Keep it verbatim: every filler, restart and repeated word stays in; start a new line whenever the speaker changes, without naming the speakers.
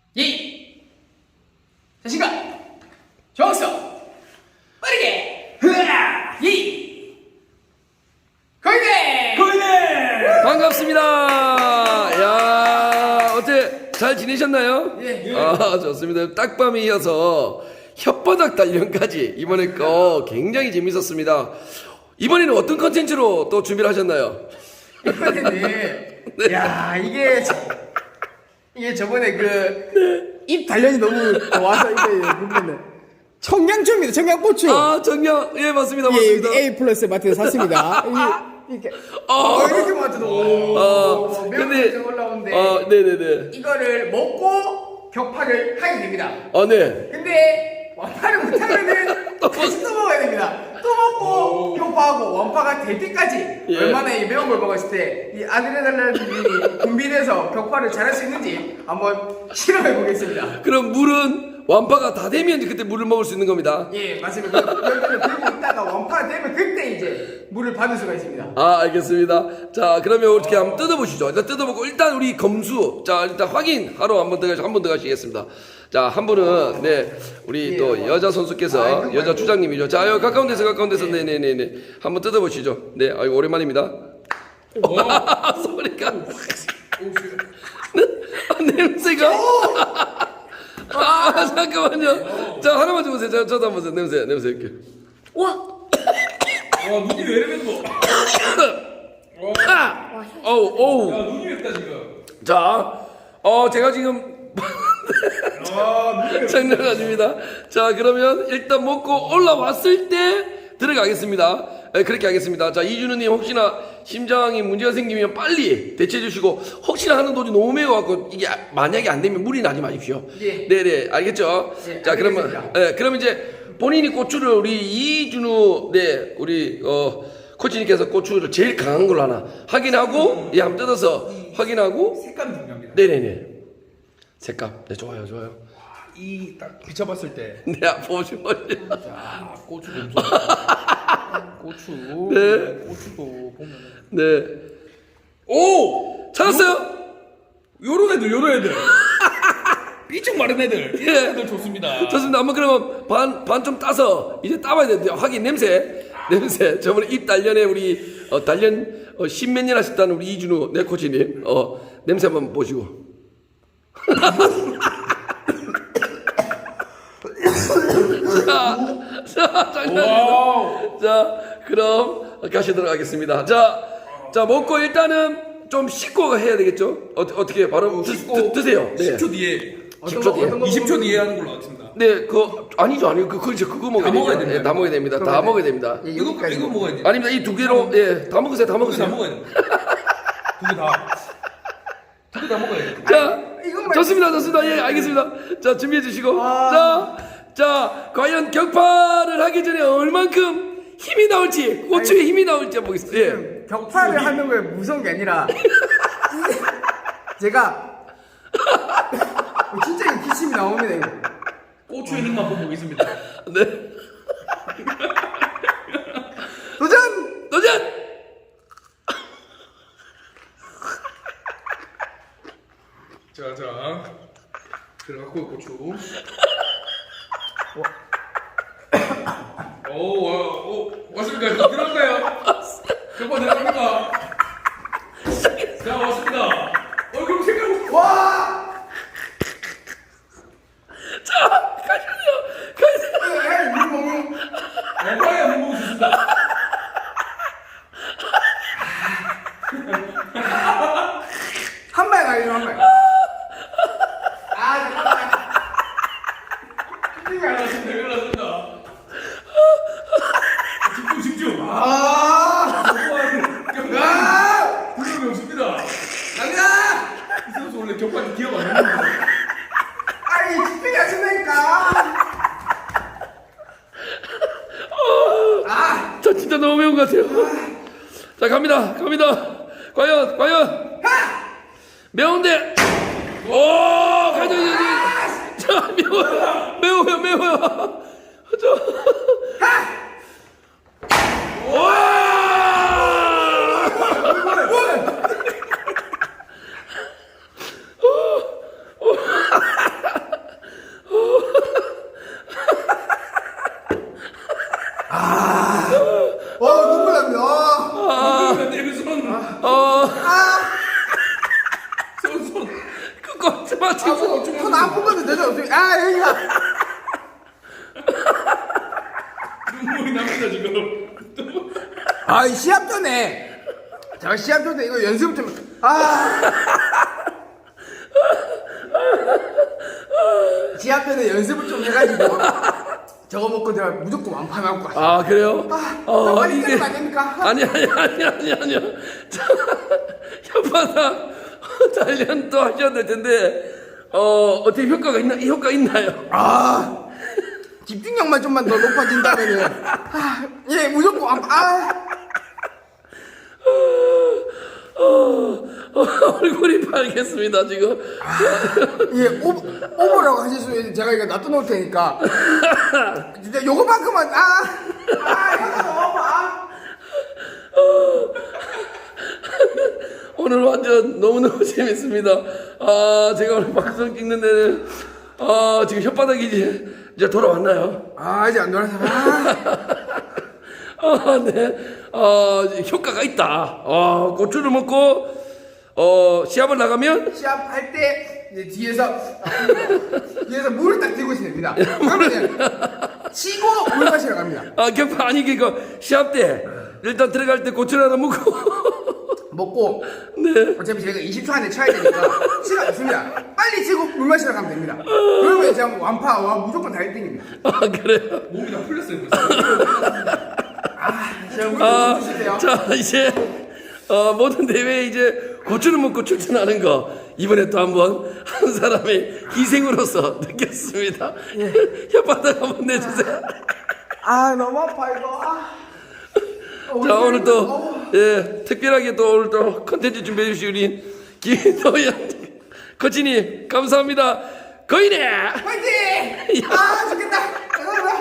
예의, 자신감, 정성, 빠르게, 흐아, 예의, 거기대,
거기네!
반갑습니다. 야, 어때 잘 지내셨나요?
예.
아, 좋습니다. 딱밤에 이어서 혓바닥 단련까지 이번에 거 굉장히 재밌었습니다. 이번에는 어떤 컨텐츠로 또 준비를 하셨나요?
이번에는, 야 이게 저- 이게 저번에 그 입 단련이 너무 좋아서 이게 보면은 청양초입니다. 청양고추.
아, 정녕, 예, 맞습니다,
예,
맞습니다.
여기 A 플러스 마트에서 샀습니다. 이게 이렇게
아.
어, 이렇게 맞춰도
어,
매운
근데-
좀 올라오는데
아, 네네네.
이거를 먹고 격파를 하게 됩니다.
아, 네.
근데 완파를 못하면은 다시 또 먹어야 됩니다. 또 먹고 격파하고 완파가 될 때까지
예.
얼마나 이 매운 걸 먹었을 때 이 아드레날린이 분비돼서 격파를 잘할 수 있는지 한번 실험해 보겠습니다.
그럼 물은 완파가 다 되면 이제 그때 물을 먹을 수 있는 겁니다.
예, 맞습니다. 여기를 들고 있다가 완파가 되면 그때 이제 물을 받을 수가 있습니다.
아, 알겠습니다. 자, 그러면 어떻게 한번 뜯어보시죠. 일단 뜯어보고, 일단 우리 검수. 자, 일단 확인하러 한번 들어가시, 한번 들어가시겠습니다. 자, 한 분은, 네, 우리
예,
또
뭐.
여자 선수께서,
아이고,
여자
아이고.
주장님이죠. 자, 여기 가까운 데서, 가까운 데서, 네네네네. 한번 뜯어보시죠. 네, 아이고, 오랜만입니다. 소리가. 아, 냄새가. 아, 잠깐만요. 자, 하나만 줘보세요. 자, 저도 한번 보세요. 냄새, 냄새 이렇게.
와, 눈이 왜 이래 또?
아! 어우, 어우.
야, 눈이 맵다 지금.
자, 어, 제가 지금
아, 눈이 맵다.
장난아닙니다. 자, 그러면 일단 먹고 올라왔을 때 들어가겠습니다. 네, 그렇게 하겠습니다. 자, 이준우님 혹시나 심장이 문제가 생기면 빨리 대체해 주시고, 혹시나 하는 도중 너무 매워갖고 이게 만약에 안 되면 무리 나지 마십시오.
예.
네네, 알겠죠?
예,
자, 그러면,
알겠습니다.
네, 그러면 이제 본인이 고추를 우리 이준우, 네, 우리, 어, 코치님께서 고추를 제일 강한 걸로 하나 확인하고, 예, 한번 뜯어서 확인하고,
색감이 중요합니다.
네네네. 색감. 네, 좋아요, 좋아요.
이 딱 비춰봤을 때,
네, 보시면.
자, 고추 냄새. 고추.
네.
고추도 보면.
네. 오! 찾았어요?
요런 애들, 요런 애들. 삐쩍 마른 애들. 이런
예.
애들 좋습니다.
좋습니다. 한번 그러면 반, 반 좀 따서 이제 따봐야 되는데, 확인, 냄새. 냄새. 저번에 입 단련에 우리, 어, 단련, 어, 십몇 년 하셨다는 우리 이준우, 네, 코치님. 어, 냄새 한번 보시고. 자, 자, 장난.
와우.
자, 그럼 가시도록 하겠습니다. 자, 자 먹고 일단은 좀 씻고 해야 되겠죠? 어, 어떻게 바로 드, 드, 드세요. 네.
십 초 뒤에.
십 초 뒤에.
어떤 거
이십 초
먹으면-
뒤에 하는 걸로 맞춘다.
네, 그 아니죠, 아니요, 그 그거 그거 먹어야
다 먹어야
됩니다.
됩니다.
예, 다 먹어야 됩니다. 다
그러면은-
먹어야 됩니다.
예,
이거,
여기까지
이거 먹어야 돼.
아닙니다. 이 두 개로 예, 다 먹으세요, 다
두 개 다
먹으세요.
먹어야 돼. 두 개 다. 두 개 다 먹어야 돼.
자,
이것만
좋습니다, 좋습니다. 예, 알겠습니다. 자, 준비해 주시고,
아.
자, 자, 과연 격파를 하기 전에 얼만큼 힘이 나올지, 고추의 힘이 나올지 한번 보겠습니다. 예.
지금 격파를 하는 거에 무서운 게 아니라 제가 진짜 이거 기침이 나옵니다. 이거.
고추의 힘만 한번 보겠습니다.
네.
도전!
도전!
자, 자. 들어갔고, 고추. 오, 와, 오, 왔습니까? 이거 들어갈까요? 저거 들어갑니까? 자, 왔습니다. 얼굴 색깔.
와!
자, 가시죠. 가시죠.
에이, 물 먹는
얼마야 못 먹을 수 있습니다.
한 발 가요, 한 발. 아, 잠깐만. 힘이 안 나.
됐습니다. 이거 났습니다. 집중, 집중. 아,
아!
격파.
아!
부끄러움이 없습니다.
갑니다!
이 선수 원래 격파 기억 안 나는데.
아니, 집중이 안 된다니까! 아!
저 진짜 너무 매운 것 같아요. 자, 갑니다. 갑니다. 과연, 과연. 매운데. 오, 가자, 가자, 가자. 자, 매워요. 매워요, 매워요. 저. 와! 마, 지금.
손 아픈 건데 내가 어떻게? 아 여기가.
눈물이 납니다 지금.
아 시합 전에. 자 시합 전에 이거 연습 좀. 아. 시합 전에 연습을 좀 해가지고 저거 먹고 내가 무조건 완파 나올 것 같아.
아, 그래요?
아,
어,
빨리
이게.
때리면 안 됩니까?
아니, 아니, 아니, 아니, 아니요. 자, 혓바닥 단련 또 하셔야 될 텐데, 어, 어떻게 효과가 있나, 이 효과 있나요?
아 집중력만 좀만 더 높아진다면은 아, 예 무조건 완파. 아.
어, 어, 얼굴이 빨겠습니다, 지금.
예, 오, 오버라고 하실 수 있는 제가 이거 놔둬놓을 테니까. 진짜 요거만큼만, 아! 아, 이거 너무 아!
오늘 완전 너무너무 재밌습니다. 아, 제가 오늘 방송 찍는 데는, 아, 지금 혓바닥이 이제, 이제 돌아왔나요?
아, 이제 안 돌아서. 아,
아, 네. 아, 효과가 있다. 아, 고추를 먹고, 어, 시합을 나가면,
시합할 때, 이제 뒤에서, 아, 뒤에서 물을 딱 들고 있으면 됩니다. 그러면 치고 물 마시러 갑니다.
아, 격파, 아니, 그니까, 시합 때, 일단 들어갈 때 고추를 하나 먹고,
먹고,
네.
어차피 저희가 이십 초 안에 쳐야 되니까, 시간 없습니다. 빨리 치고 물 마시러 가면 됩니다. 그러면 제가 완파, 와, 무조건 다 일 등입니다.
아, 그래요?
몸이 다 풀렸어요 벌써.
제가 물
아,
좀 주세요.
자, 이제, 어, 모든 대회에 이제 고추를 먹고 출전하는 거, 이번에 또 한번 한 사람의 희생으로서 느꼈습니다. 혓바닥 한번 내주세요.
아, 너무 아파, 이거. 아. 어,
자, 오늘 또,
어.
예, 특별하게 또 오늘 또 컨텐츠 준비해 주신 우리 김도현 코치님, 감사합니다. 거인의
화이팅! 아, 좋겠다.